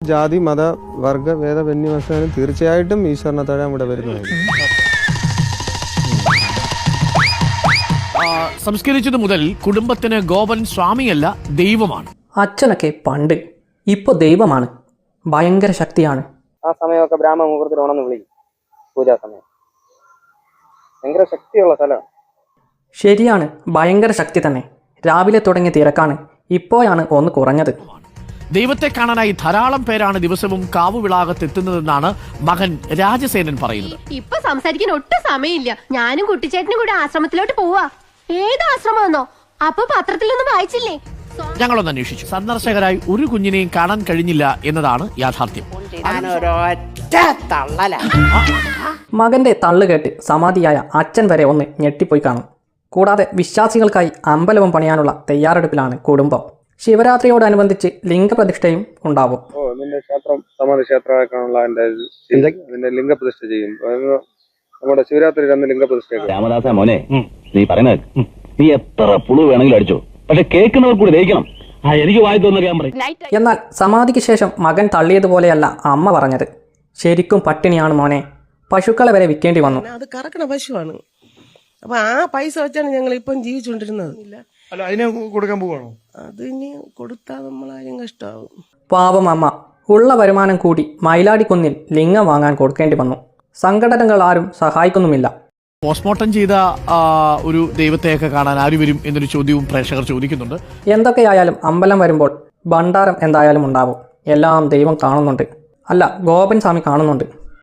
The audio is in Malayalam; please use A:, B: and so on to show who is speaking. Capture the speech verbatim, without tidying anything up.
A: ജാതി മത വർഗ ഭേദ വന്യമസാനും തീർച്ചയായിട്ടും ഈശ്വരനെ തൊഴാൻ ഇവിടെ വരുന്നതായിരിക്കും.
B: സംസ്കരിച്ചത് മുതൽ കുടുംബത്തിന് ഗോപൻ സ്വാമിയല്ല, ദൈവമാണ്.
C: അച്ഛനൊക്കെ പണ്ട്, ഇപ്പോൾ ദൈവമാണ്. ഭയങ്കര ശക്തിയാണ്.
D: ആ സമയമൊക്കെ ബ്രാഹ്മണ മുഹൂർത്തത്തിൽ ഉണർന്ന് വിളിക്കും. പൂജാ സമയം ഭയങ്കര ശക്തിയുള്ള സ്ഥലമാണ്.
C: ശരിയാണ്, ഭയങ്കര ശക്തി തന്നെ. രാവിലെ തുടങ്ങിയ തിരക്കാണ്, ഇപ്പോഴാണ് ഒന്ന് കുറഞ്ഞത്.
B: ദൈവത്തെ കാണാനായി ധാരാളം പേരാണ് ദിവസവും കാവുവിളാകത്തെത്തുന്നതെന്നാണ് മകൻ രാജസേനൻ പറയുന്നത്.
E: ഇപ്പൊ സംസാരിക്കാൻ ഒട്ടും സമയമില്ല. ഞാനും കുട്ടിച്ചേട്ടനും കൂടെ ആശ്രമത്തിലോട്ട് പോവാ. ഏത് ആശ്രമമെന്നോ? അപ്പൊ പത്രത്തിലൊന്നും വായിച്ചില്ലേ?
B: ഞങ്ങളൊന്ന് അന്വേഷിച്ചു. സന്ദർശകരായി ഒരു കുഞ്ഞിനെയും കാണാൻ കഴിഞ്ഞില്ല എന്നതാണ് യാഥാർത്ഥ്യം.
C: മകന്റെ തള്ളു കേട്ട് സമാധിയായ അച്ഛൻ വരെ ഒന്ന് ഞെട്ടിപ്പോയി കാണും. കൂടാതെ വിശ്വാസികൾക്കായി അമ്പലവും പണിയാനുള്ള തയ്യാറെടുപ്പിലാണ് കുടുംബം. ശിവരാത്രിയോടനുബന്ധിച്ച് ലിംഗപ്രതിഷ്ഠയും ഉണ്ടാവും.
A: ഓ നിന്റെ ക്ഷേത്രം സമാധി ക്ഷേത്രമാക്കാനുള്ള അതിന്റെ ലിംഗപ്രതിഷ്ഠ ചെയ്യും. നമ്മുടെ ശിവരാത്രി അന്ന് ലിംഗപ്രതിഷ്ഠ.
F: രാമദാസ മോനെ, നീ പറയുന്നത് നീ എത്ര പുളു വേണമെങ്കിലും അടിച്ചോ, പക്ഷെ കേൾക്കുന്നവർ കൂടി ദഹിക്കണം. ആ എനിക്ക് വായി തോന്നറിയാൻ പറയും.
C: എന്നാൽ സമാധിക്ക് ശേഷം മകൻ തള്ളിയതുപോലെയല്ല അമ്മ പറഞ്ഞത്. ശരിക്കും പട്ടിണിയാണ് മോനെ, പശുക്കളെ വരെ വിൽക്കേണ്ടി വന്നു.
G: അത് കറക്കണ പശുവാണ്. അപ്പൊ ആ പൈസ വെച്ചാണ് ഞങ്ങൾ ഇപ്പം ജീവിച്ചുകൊണ്ടിരുന്നത്.
H: അല്ല, അതിനെ കൊടുക്കാൻ പോവാണോ?
G: അത് ഇനി കൊടുത്താൽ നമ്മളാരും കഷ്ടമാവും.
C: പാവം അമ്മ ഉള്ള വരുമാനം കൂടി മയിലാടിക്കുന്നിൽ ലിംഗം വാങ്ങാൻ കൊടുക്കേണ്ടി വന്നു. സംഘടനകൾ ആരും സഹായിക്കുന്നുമില്ല.
B: പോസ്റ്റ്മോർട്ടം ചെയ്ത ഒരു ദൈവത്തെയൊക്കെ കാണാൻ ആര് വരും എന്നൊരു ചോദ്യവും പ്രേക്ഷകർ ചോദിക്കുന്നുണ്ട്.
C: എന്തൊക്കെയായാലും അമ്പലം വരുമ്പോൾ ഭണ്ഡാരം എന്തായാലും ഉണ്ടാവും. എല്ലാം ദൈവം കാണുന്നുണ്ട്. അല്ല, ഗോപൻ സ്വാമി കാണുന്നുണ്ട്.